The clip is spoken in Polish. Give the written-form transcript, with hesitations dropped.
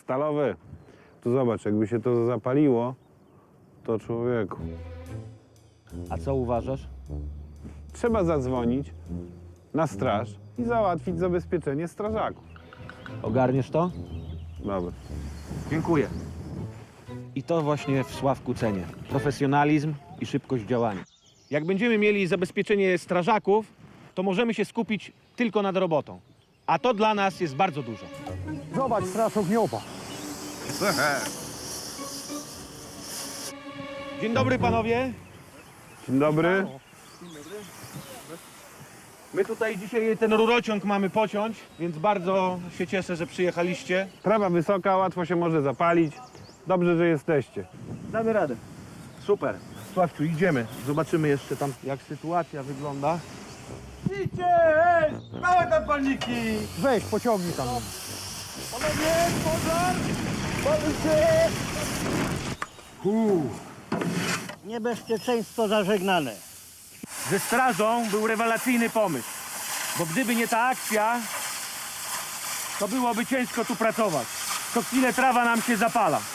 Stalowy. Tu zobacz, jakby się to zapaliło, to człowieku. A co uważasz? Trzeba zadzwonić na straż i załatwić zabezpieczenie strażaków. Ogarniesz to? Dobra. Dziękuję. I to właśnie w Sławku cenię. Profesjonalizm i szybkość działania. Jak będziemy mieli zabezpieczenie strażaków, to możemy się skupić tylko nad robotą. A to dla nas jest bardzo dużo. Zobacz, straż ogniowa. Dzień dobry panowie. Dzień dobry. My tutaj dzisiaj ten rurociąg mamy pociąć, więc bardzo się cieszę, że przyjechaliście. Trawa wysoka, łatwo się może zapalić. Dobrze, że jesteście. Damy radę. Super. Sławciu, idziemy. Zobaczymy jeszcze tam, jak sytuacja wygląda. Idźcie! Małe tam palniki! Weź, pociągnij tam. Panowie, pożar! Pali się! Niebezpieczeństwo zażegnane. Ze strażą był rewelacyjny pomysł, bo gdyby nie ta akcja, to byłoby ciężko tu pracować. Co chwilę trawa nam się zapala.